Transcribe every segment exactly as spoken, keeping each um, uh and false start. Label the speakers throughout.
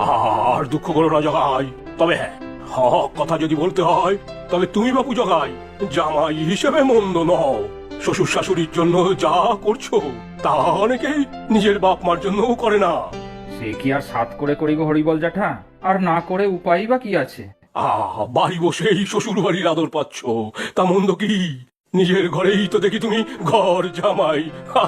Speaker 1: আর দুঃখ করো না জগাই। তবে হ্যাঁ, হক কথা যদি বলতে হয় তবে তুমি বাপু জগাই জামাই হিসেবে মন্দ নও। শ্বশুর শাশুড়ির জন্য যা করছো তা অনেকেই নিজের বাপ মার জন্যও করে না।
Speaker 2: সে কি আর সাত করে করি গো হরিবল জ্যাঠা, আর না করে উপায় বা কি আছে?
Speaker 1: আহ বাড়ি বসেই শ্বশুর বাড়ির আদর পাচ্ছ, তা মন্দ কি? নিজের ঘরেই তো দেখি তুমি ঘর জামাই।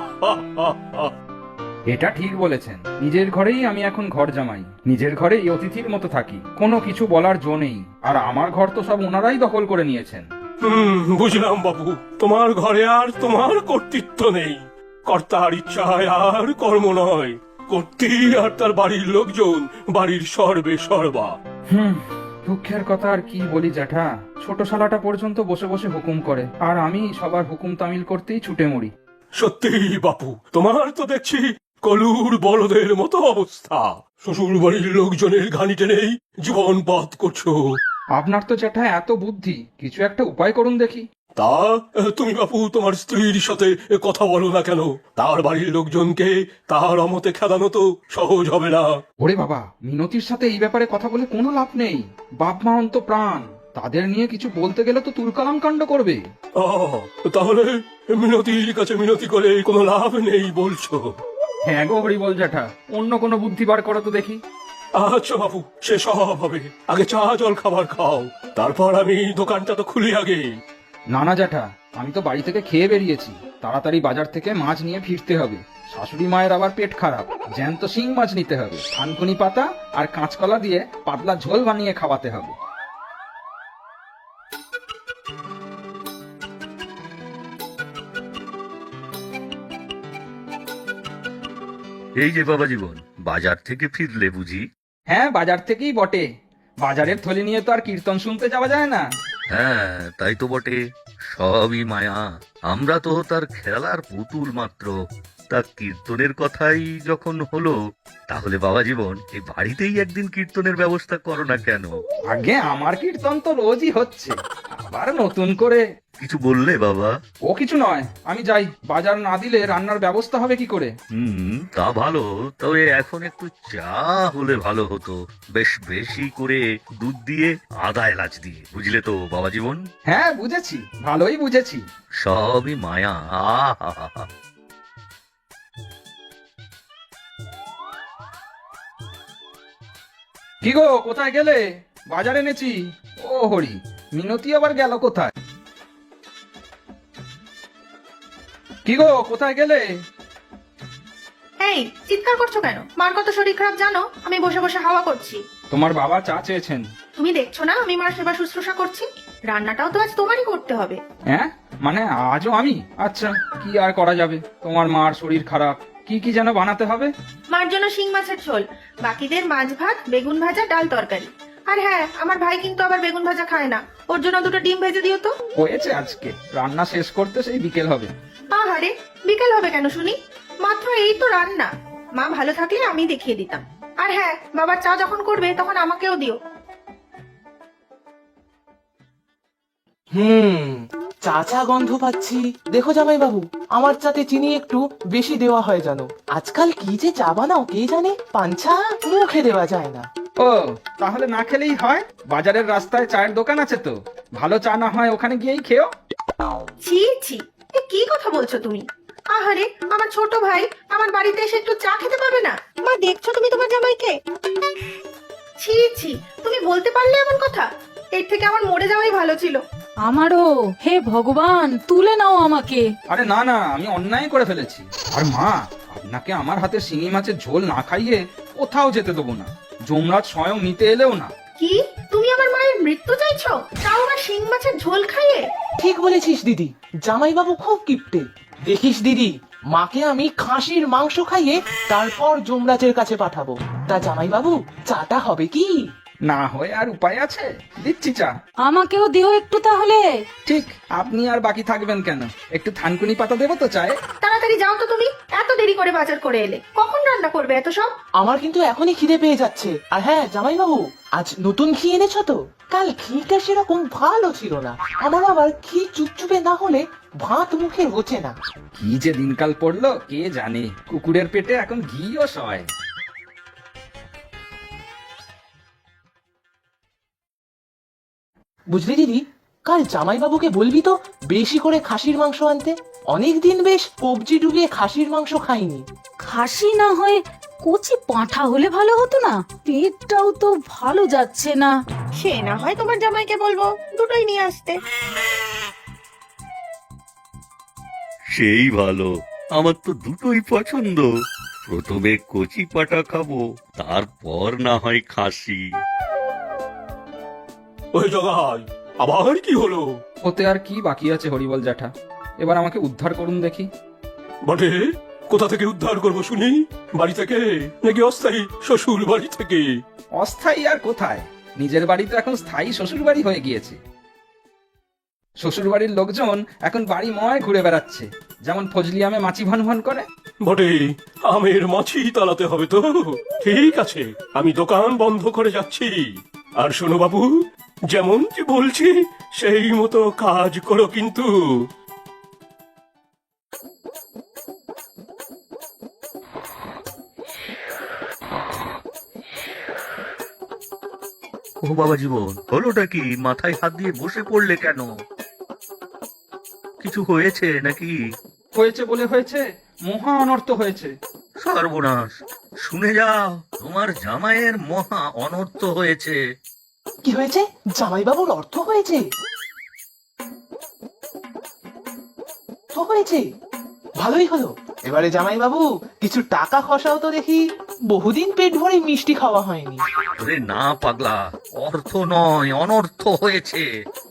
Speaker 2: এটা ঠিক বলেছেন, নিজের ঘরেই আমি এখন ঘর জামাই, নিজের ঘরেই অতিথির মতো থাকি, কোনো কিছু বলার জো নেই। আর আমার ঘর তো সব ওনারাই দখল করে নিয়েছেন।
Speaker 1: হুম, বুঝলাম বাবু, তোমার ঘরে আর তোমার কর্তৃত্ব নেই। কর্তার ইচ্ছায় আর কর্ম নয়, কর্ত্রী আর তার বাড়ির লোকজন বাড়ির সর্বে সর্বা।
Speaker 2: হুম, দুঃখের কথা আর কি বলি জ্যাঠা, ছোট শালাটা পর্যন্ত বসে বসে হুকুম করে, আর আমি সবার হুকুম তামিল করতেই ছুটে মরি।
Speaker 1: সত্যি বাপু, তোমার তো দেখছি কলুর বলদের মতো অবস্থা। শ্বশুর বাড়ির লোকজনের ঘানি টেনেই জীবন পাত করছো।
Speaker 2: আপনার তো জ্যাঠা এত বুদ্ধি, কিছু একটা উপায় করুন দেখি।
Speaker 1: তা তুমি বাপু তোমার স্ত্রীর সাথে কথা বলো না কেন? তার বাড়ির লোকজনকে তার অমতে খেদানো তো সহজ হবে না।
Speaker 2: ওরে বাবা, মিনতির সাথে এই ব্যাপারে কথা বলে কোনো লাভ নেই। বাপ মা অন্ত প্রাণ, তাদের নিয়ে কিছু বলতে গেলে তো তুলকালাম কাণ্ড করবে।
Speaker 1: আহ, তাহলে মিনতির কাছে মিনতি করে কোনো লাভ নেই বলছো?
Speaker 2: হ্যাঁ গো হরিবল জ্যাঠা, অন্য কোনো বুদ্ধি বার করো তো দেখি।
Speaker 1: আচ্ছা বাবু, সে সব হবে। আগে চা জল খাবার খাও, তারপর আমি দোকানটা তো খুলি আগে।
Speaker 2: না না জ্যাঠা, আমি তো বাড়ি থেকে খেয়ে বেরিয়েছি, তাড়াতাড়ি বাজার থেকে মাছ নিয়ে ফিরতে হবে। শাশুড়ি মায়ের আবার পেট খারাপ, জ্যান্ত শিং মাছ নিতে হবে, থানকুনি পাতা আর কাঁচকলা দিয়ে পাতলা ঝোল বানিয়ে খাওয়াতে হবে।
Speaker 3: এই যে বাবা জীবন, বাজার থেকে ফিরলে বুঝি?
Speaker 2: হ্যাঁ, বাজার থেকেই বটে। বাজারের থলি নিয়ে তো আর কীর্তন শুনতে যাওয়া যায় না।
Speaker 3: হ্যাঁ, তাই তো বটে। সবই মায়া, আমরা তো তার খেলার পুতুল মাত্র। তা কীর্তনের কথাই যখন হলো, তাহলে বাবা জীবন এই বাড়িতেই একদিন কীর্তনের ব্যবস্থা করো না কেন?
Speaker 2: আগে আমার কীর্তন তো রোজই হচ্ছে, আবার নতুন করে?
Speaker 3: কিছু বললে বাবা?
Speaker 2: ও কিছু নয়, আমি যাই। বাজার না দিলে রান্নার ব্যবস্থা হবে কি করে?
Speaker 3: হুম, তা ভালো। তবে এখন একটু চা হলে ভালো হতো, বেশ বেশি করে দুধ দিয়ে, আদা এলাচ দিয়ে, বুঝলে তো বাবা জীবন?
Speaker 2: হ্যাঁ বুঝেছি, ভালোই বুঝেছি।
Speaker 3: সবই মায়া। আহা,
Speaker 2: কি গো, কোথায় গেলে? বাজার এনেছি। ও হরি, মিনতি আবার গেল কোথায়? কি গো, কোথায় গেলে?
Speaker 4: এই চিৎকার করছো কেন? মার কত শরীর খারাপ জানো? আমি বসে বসে হাওয়া করছি।
Speaker 2: তোমার বাবা চা চেয়েছেন।
Speaker 4: তুমি দেখছো না আমি মার সেবা শুশ্রূষা করছি? রান্নাটাও তো আজ তোমারই করতে হবে।
Speaker 2: হ্যাঁ, মানে আজও আমি? আচ্ছা, কি আর করা যাবে, তোমার মার শরীর খারাপ। কি কি যেন বানাতে হবে?
Speaker 4: মার জন্য শিং মাছের ঝোল, বাকিদের মাছ ভাত, বেগুন ভাজা, ডাল তরকারি। আর হ্যাঁ, আমার ভাই কিন্তু আবার বেগুন ভাজা খায় না, ওর জন্য দুটো ডিম ভেজে দিও তো।
Speaker 2: হয়েছে, আজকে রান্না শেষ করতে সেই বিকেল হবে।
Speaker 4: আহারে, বিকেল হবে কেন শুনি? মাত্র এই তো রান্না। মা ভালো থাকলে আমি দেখিয়ে দিতাম। আর হ্যাঁ, বাবার চা যখন করবে তখন আমাকেও দিও।
Speaker 5: হুম, চা চা গন্ধ পাচ্ছি। দেখো জামাই বাবু, আমার চাতে চিনি একটু বেশি দেওয়া হয় জানো। আজকাল কি যে চা বানাও কে জানে, পাঞ্ছা মুখে দেওয়া যায় না।
Speaker 2: ও, তাহলে না খেলেই হয়। বাজারের রাস্তায় চায়ের দোকান আছে তো, ভালো চা না হয় ওখানে গিয়েই খেও।
Speaker 4: ছি ছি, এ কি কথা বলছো তুমি? আহারে, আমার ছোট ভাই আমার বাড়িতে এসে একটু চা খেতে পারবে না? মা, দেখছো তুমি তোমার জামাইকে? ছি ছি, তুমি বলতে পারলে এমন কথা? এর থেকে আমার মরে যাওয়াই ভালো ছিল।
Speaker 6: আমারও, হে ভগবান, তুলে নাও আমাকে।
Speaker 2: আরে না না, আমি অন্যায় করে ফেলেছি। আর মা, আপনাকে আমার হাতে শিঙি মাছের ঝোল না খাইয়ে কোথাও যেতে দেবো না। যমরাজ স্বয়ং নিতে এলেও না।
Speaker 4: কি, তুমি আমার মায়ের মৃত্যু চাইছো, তাও আবার শিং মাছের ঝোল খাইয়ে?
Speaker 5: ঠিক বলেছিস দিদি, জামাই বাবু খুব কিপটে। দেখিস দিদি, মাকে আমি খাসির মাংস খাইয়ে তারপর যমরাজের কাছে পাঠাবো। তা জামাই বাবু, চাটা হবে কি?
Speaker 2: না হয় আর উপায় আছে, দিচ্ছি চা।
Speaker 6: আমাকেও দিও একটু তাহলে।
Speaker 2: ঠিক, আপনি আর বাকি থাকবেন কেন? একটু থানকুনি পাতা দেবো তো চায়ে?
Speaker 4: তাড়াতাড়ি যাও তো তুমি, এত দেরি করে বাজার করে এলে, কখন রান্না করবে এত সব?
Speaker 5: আমার কিন্তু এখনই খিদে পেয়ে যাচ্ছে। আর হ্যাঁ জামাই বাবু, আজ নতুন ঘি এনেছো তো? কাল ঘিটা সেরকম ভালো ছিল না। আমার আবার ঘি চুপচুপে না হলে ভাত মুখে রোচে না।
Speaker 2: কি যে দিনকাল পড়লো কে জানে, কুকুরের পেটে এখন ঘিও সয়।
Speaker 5: বুঝলি দিদি, কাল জামাইবাবুকে বলবি তো বেশি করে খাসির মাংস আনতে। অনেকদিন বেশ কবজি ডুবিয়ে খাসির মাংস খাইনি।
Speaker 6: খাসি না হয়ে কচি পাঁঠা হলে ভালো হতো না? পেটটাও তো ভালো যাচ্ছে না।
Speaker 4: সে না হয় তোমার জামাইকে বলবো দুটোই নিয়ে আসতে।
Speaker 3: সেই ভালো, আমার তো দুটোই পছন্দ। প্রথমে কচি পাটা খাবো, তারপর না হয় খাসি।
Speaker 1: ওই জগাই, আবার কি হলো?
Speaker 2: ওতে আর কি বাকি আছে হরিবল জ্যাঠা, এবার আমাকে উদ্ধার করুন দেখি।
Speaker 1: বটে, কোথা থেকে উদ্ধার করবো শুনি? বাড়ি থেকে নাকি অস্থায়ী শ্বশুর বাড়ি থেকে?
Speaker 2: অস্থায়ী আর কোথায়, নিজের বাড়ি তো এখন স্থায়ী শ্বশুর বাড়ি হয়ে গিয়েছে। শ্বশুর বাড়ির লোকজন এখন বাড়ি ময় ঘুরে বেড়াচ্ছে, যেমন ফজলি আমে মাছি ভান ভান করে।
Speaker 1: বটে, আমের মাছি তালাতে হবে তো। ঠিক আছে, আমি দোকান বন্ধ করে যাচ্ছি। আর শোনো বাবু, যেমন কি বলছি সেই মতো কাজ করো কিন্তু।
Speaker 3: ও বাবা জীবন, হলোটা কি? মাথায় হাত দিয়ে বসে পড়লে কেন? কিছু হয়েছে নাকি?
Speaker 2: হয়েছে বলে হয়েছে, মহা অনর্থ হয়েছে।
Speaker 3: সর্বনাশ, শুনে যাও, তোমার জামাইয়ের মহা অনর্থ হয়েছে।
Speaker 5: কি হয়েছে? জামাইবাবুর অর্থ হয়েছে? তো হয়েছে, ভালোই হলো। এবারে জামাইবাবু কিছু টাকা খসাও তো দেখি, বহুদিন পেট ভরে মিষ্টি খাওয়া হয়নি।
Speaker 3: আরে না পাগলা, অর্থ নয়, অনর্থ হয়েছে।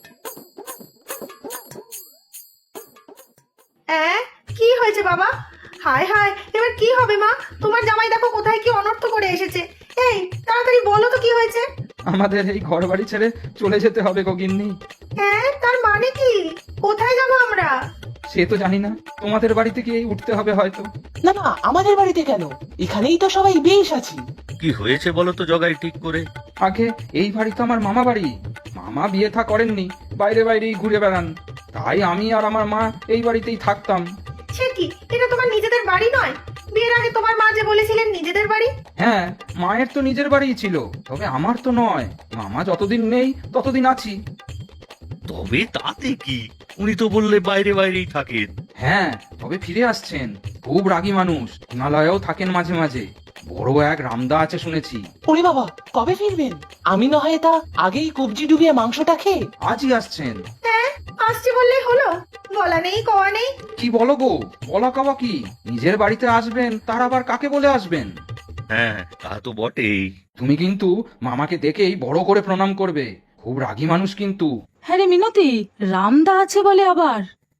Speaker 4: হ্যাঁ, কি হয়েছে বাবা? হায় হায়, এবার কি হবে মা? তোমার জামাই দেখো কোথায় কি অনর্থ করে এসেছে। এই তাড়াতাড়ি বলো তো কি হয়েছে?
Speaker 2: আমাদের এই ঘর বাড়ি ছেড়ে চলে যেতে হবে গো গিন্নি।
Speaker 4: হ্যাঁ, তার মানে কি? কোথায় যাবো আমরা?
Speaker 2: সে তো জানি না, তোমাদের বাড়িতে গিয়ে উঠতে হবে হয়তো।
Speaker 5: না না, আমাদের বাড়িতে কেন? এখানেই তো সবাই বেশ আছি।
Speaker 3: কি হয়েছে বলো তো জগাই ঠিক করে।
Speaker 2: আগে এই বাড়ি তো আমার মামা বাড়ি, মামা বিয়ে থা করেননি, বাইরে বাইরেই ঘুরে বেড়ান, তাই আমি আর আমার মা এই বাড়িতেই থাকতাম।
Speaker 4: সে কি, এটা তোমার নিজেদের বাড়ি নয়? বিয়ের আগে তোমার মা যে বলেছিলেন নিজেদের বাড়ি।
Speaker 2: হ্যাঁ, মায়ের তো নিজের বাড়িই ছিল, তবে আমার তো নয়। মামা যতদিন নেই ততদিন আছি।
Speaker 3: তবে তাতে কি, উনি তো বললে বাইরে বাইরেই থাকেন।
Speaker 2: হ্যাঁ, তবে ফিরে আসছেন, খুব রাগী মানুষ, হিমালয়েও থাকেন মাঝে মাঝে। বড় এক রামদা আছে শুনেছি।
Speaker 5: ওরে বাবা, কবে ফিরবেন? আমি না হয় তা আগেই কবজি ডুবিয়ে মাংসটা খেয়ে।
Speaker 2: আজই আসছেন।
Speaker 4: হ্যাঁ, আসছে বললেই হলো, বলা নেই কওয়া নেই।
Speaker 2: কি বলো গো, বলা কাওয়া কি? নিজের বাড়িতে আসবেন, তার আবার কাকে বলে আসবেন?
Speaker 3: হ্যাঁ, তা তো বটেই।
Speaker 2: তুমি কিন্তু মামাকে দেখেই বড় করে প্রণাম করবে, খুব রাগী মানুষ কিন্তু।
Speaker 6: হ্যাঁ রে মিনতি, রামদা আছে বলে আবার।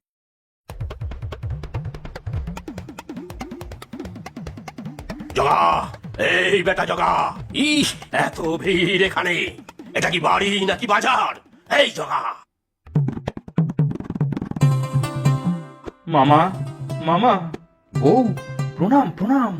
Speaker 1: জগা, এই বেটা জগা, ইস এত ভিড় এখানে, এটা কি বাড়ি নাকি বাজার? এই জগা।
Speaker 2: মামা, মামা, বউ, প্রণাম প্রণাম।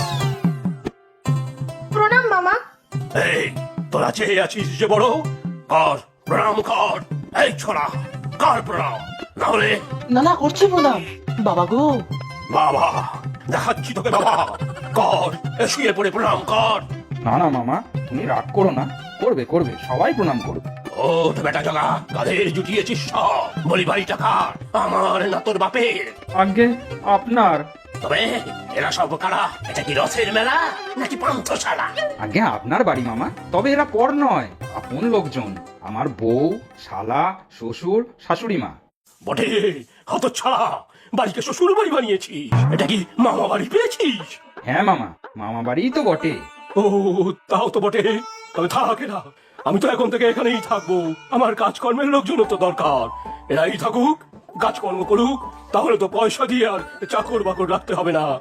Speaker 4: প্রণাম মামা।
Speaker 1: এই তোরা চেয়ে আছিস যে বড়, কর প্রণাম কর। এই ছোড়া, কর প্রণাম, নাহলে।
Speaker 5: না না, করছি প্রণাম। বাবা গো।
Speaker 1: বাবা, দেখাচ্ছি তোকে বাবা, কর, এ শুয়ে পড়ে প্রণাম কর।
Speaker 2: না না মামা, তুমি রাগ করো না, করবে করবে, সবাই প্রণাম করবে।
Speaker 1: ও তো বেটা জগা, কাদের জুটিয়েছিস সব? বলি বাড়িটা কার, আমার না তোর বাপের?
Speaker 2: আগে আপনার।
Speaker 1: তবে এরা সব কারা? এটা কি রথের মেলা নাকি পান্থশালা?
Speaker 2: আগে আপনার বাড়ি মামা, তবে এরা পর নয়, আপন লোকজন। আমার বউ, শালা, শ্বশুর, শাশুড়ি মা।
Speaker 1: বটে, হত ছাড়া, বাড়িকে শ্বশুর বাড়ি বানিয়েছিস? এটা কি মামা বাড়ি পেয়েছিস?
Speaker 2: হ্যাঁ মামা, মামা বাড়িই তো বটে।
Speaker 1: ও তাও তো বটে, তবে থাক এরা, আমি তো এখন থেকে এখানেই থাকবো। আমার কাজকর্মের লোকজনও তো দরকার, এরাই থাকুক, কাজকর্ম করুক, তাহলে তো পয়সা দিয়ে আর চাকর বাকর রাখতে হবে না।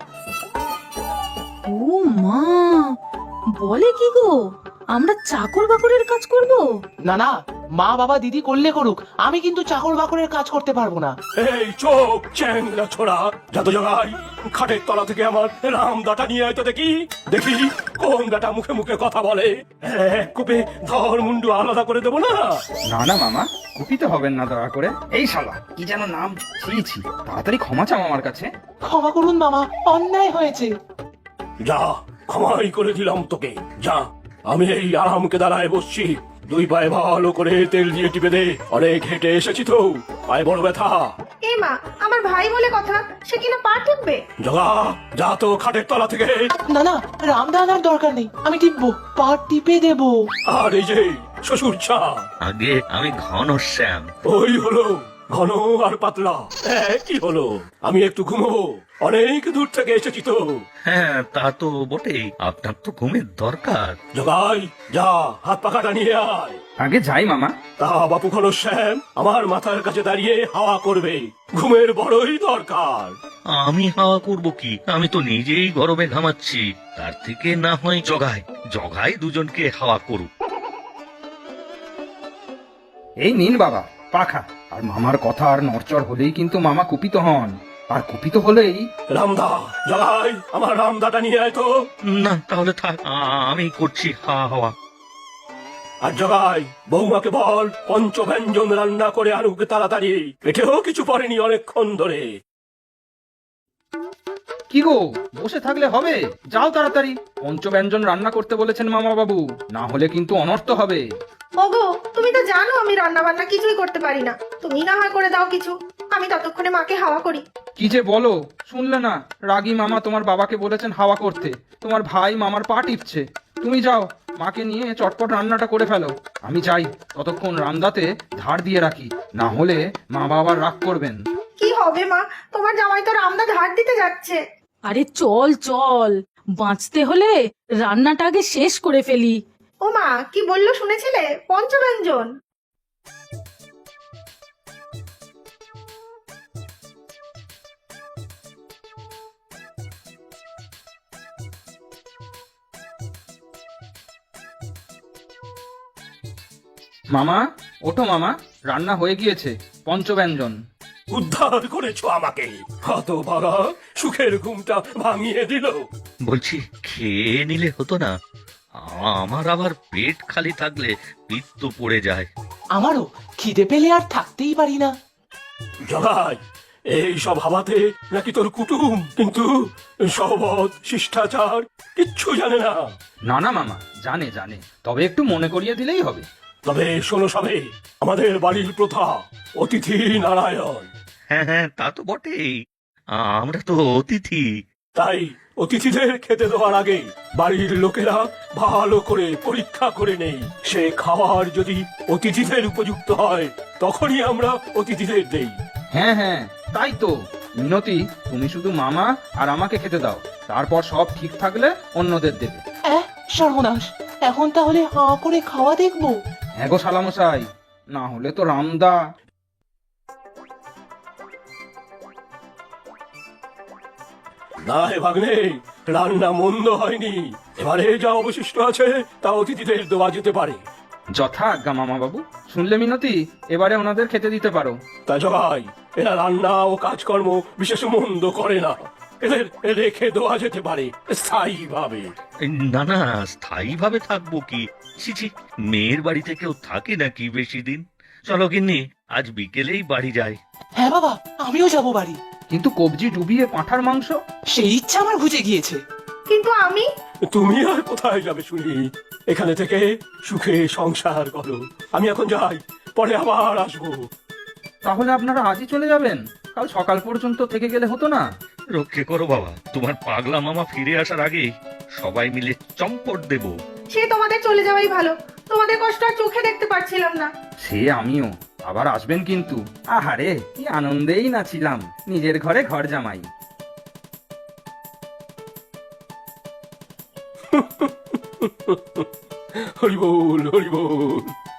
Speaker 6: ও মা, বলে কি গো, আমরা চাকর বাকরের কাজ করব?
Speaker 5: না না, মা বাবা দিদি করলে করুক, আমি কিন্তু চাকর বাকরের কাজ করতে পারবো না।
Speaker 1: এই চোখ চ্যাংরা ছোড়া, যত জগাই, খাটের তলা থেকে আমার রাম দাটা নিয়ে আয় তো দেখি, দেখি কোন বেটা মুখে মুখে কথা বলে। এক কোপে ধর মুন্ডু আলাদা করে দেবো না।
Speaker 2: না না মামা, কুপিতে হবেন না দয়া করে। এই শালা, কি যেন নাম, ছিছি, তাড়াতাড়ি ক্ষমা চাও আমার কাছে।
Speaker 5: ক্ষমা করুন মামা, অন্যায় হয়েছে।
Speaker 1: যা, ক্ষমাই করে দিলাম তোকে, যা। আমি এই আরামকে দাঁড়ায় বসছি, দুই পায়ে ভালো করে তেল দিয়ে টিপে দে, অনেক হেঁটে এসেছি তো, পায়ে বড় ব্যথা।
Speaker 4: এ মা, আমার ভাই বলে কথা, সে কিনা পা টিপবে?
Speaker 1: জগা, যা তো খাটের তলা থেকে।
Speaker 5: না না, রামদা আনার দরকার নেই, আমি টিপবো, পা টিপে দেবো।
Speaker 1: আর এই যে শ্বশুর চা,
Speaker 3: আগে আমি ঘন শ্যাম।
Speaker 1: ওই হলো ঘন আর পাতলা, কি হলো? আমি একটু ঘুমবো, অনেক দূর থেকে এসেছি তো।
Speaker 3: হ্যাঁ তা তো বটেই, আপনার তো ঘুমের দরকার।
Speaker 1: জগাই, যা হাত পাখাটা নিয়ে আয়।
Speaker 2: আগে যাই মামা।
Speaker 1: তা বাপু ঘনশ্যাম আমার মাথার কাছে দাঁড়িয়ে হাওয়া করবে, ঘুমের বড়ই দরকার।
Speaker 3: আমি হাওয়া করব কি? আমি তো নিজেই গরমে ঘামাচ্ছি, তার থেকে না হয় জগাই জগাই দুজনকে হাওয়া করুক।
Speaker 2: এই নিন বাবা পাখা। আর মামার কথা আর নড়চড় হলেই কিন্তু মামা কুপিত হন, আর কুপিত হলেই
Speaker 1: রামদা, জগাই আমার রামদাটা নিয়ে আয় তো।
Speaker 3: না তাহলে থাক, আ- আমি করছি হাওয়া হাওয়া।
Speaker 1: আর জগাই, বৌমাকে বল পঞ্চব্যঞ্জন রান্না করে আনুক তাড়াতাড়ি, পেটেও কিছু পড়েনি অনেকক্ষণ ধরে।
Speaker 2: কি গো, বসে থাকলে হবে? যাও তাড়াতাড়ি, পঞ্চব্যঞ্জন রান্না করতে বলেছেন মামা বাবু, না হলে কিন্তু অনর্থ হবে।
Speaker 4: ওগো, তুমি তো জানো আমি রান্না বান্না কিছুই করতে পারি না, তুমি না হয় করে দাও কিছু, আমি ততক্ষণে মাকে হাওয়া করি।
Speaker 2: কি যে বলো, শুনলে না? রাগী মামা তোমার বাবাকে বলেছেন হাওয়া করতে, তোমার ভাই মামার পা টিপছে। তুমি যাও, মাকে নিয়ে চটপট রান্নাটা করে ফেলো, আমি যাই ততক্ষণ রান্দাতে ধার দিয়ে রাখি, না হলে মা বাবার রাগ করবেন।
Speaker 4: কি হবে মা, তোমার জামাই তো রামদা ধার দিতে যাচ্ছে।
Speaker 6: আরে চল চল, বাঁচতে হলে রান্নাটা আগে শেষ করে ফেলি।
Speaker 4: ও মা, কি বললো শুনেছিলে? পঞ্চব্যঞ্জন।
Speaker 2: মামা, ওঠো মামা, রান্না হয়ে গিয়েছে, পঞ্চব্যঞ্জন।
Speaker 1: উদ্ধার করেছো আমাকে, হতভাগা, সুখের ঘুমটা ভাঙিয়ে দিল।
Speaker 3: বলছি খেয়ে নিলে হতো না? আমার আবার পেট খালি থাকলে পিত্ত পড়ে যায়।
Speaker 5: আমারও খিদে পেলে আর থাকতেই পারি না।
Speaker 1: জগাই, এই সব হাবাতে নাকি তোর কুটুম, কিন্তু সহবত শিষ্টাচার কিচ্ছু জানে না।
Speaker 2: না না মামা, জানে জানে, তবে একটু মনে করিয়ে দিলেই হবে।
Speaker 1: তবে শোনো সবে, আমাদের বাড়ির প্রথা অতিথি নারায়ণ,
Speaker 3: হ্যাঁ হ্যাঁ তা তো বটেই, আমরা তো অতিথি।
Speaker 1: তাই অতিথিদের খেতে দেওয়ার আগে বাড়ির লোকেরা ভালো করে পরীক্ষা করে নেই, সে খাবার যদি অতিথিদের উপযুক্ত হয় তখনই আমরা অতিথিদের দেই।
Speaker 2: হ্যাঁ হ্যাঁ, তাই তো। মিনতি, তুমি শুধু মামা আর আমাকে খেতে দাও, তারপর সব ঠিক থাকলে অন্যদের দেবে।
Speaker 5: এহ, সর্বনাশ, এখন তাহলে হাঁ করে খাওয়া দেখবো।
Speaker 2: হ্যাঁ গো শালামশাই, না হলে তো রামদা।
Speaker 1: না হে ভাগ্নে, রান্না মন্দ হয়নি, এবারে যা অবশিষ্ট আছে তা অতিথিদের দেওয়া যেতে পারে।
Speaker 2: যথা আজ্ঞা মামা বাবু। শুনলে মিনতি, এবারে ওনাদের খেতে দিতে পারো।
Speaker 1: তা জগাই, এরা রান্না ও কাজকর্ম বিশেষ মন্দ করে না, এদের রেখে দেওয়া যেতে পারে স্থায়ী ভাবে।
Speaker 3: না না, স্থায়ী ভাবে থাকবো কি? ছি ছি, মেয়ের বাড়িতে কেউ থাকে নাকি বেশি দিন? চলো গিন্নি, আজ বিকেলেই বাড়ি যাই।
Speaker 5: হ্যাঁ বাবা, আমিও যাব বাড়ি।
Speaker 2: কিন্তু কবজি ডুবিয়ে পাঁঠার মাংস?
Speaker 5: সেই ইচ্ছা আমার ঘুচে গিয়েছে।
Speaker 4: কিন্তু আমি,
Speaker 1: তুমি আর কোথায় যাবে শুনি, এখানে থেকে সুখে সংসার করো। আমি এখন যাই, পরে আবার আসবো।
Speaker 2: তাহলে আপনারা আজই চলে যাবেন? কাল সকাল পর্যন্ত থেকে গেলে হতো না?
Speaker 3: রক্ষে করো বাবা, তোমার পাগলা মামা ফিরে আসার আগে সবাই মিলে চম্পট দেব।
Speaker 4: সে তোমাদের চলে যাওয়াই ভালো, তোমাদের কষ্ট আর চোখে দেখতে পারছিলাম না।
Speaker 2: সে আমিও, আবার আসবেন কিন্তু। আহারে, কি আনন্দেই না ছিলাম, নিজের ঘরে ঘর জামাই।
Speaker 1: হরি বল, হরি বল।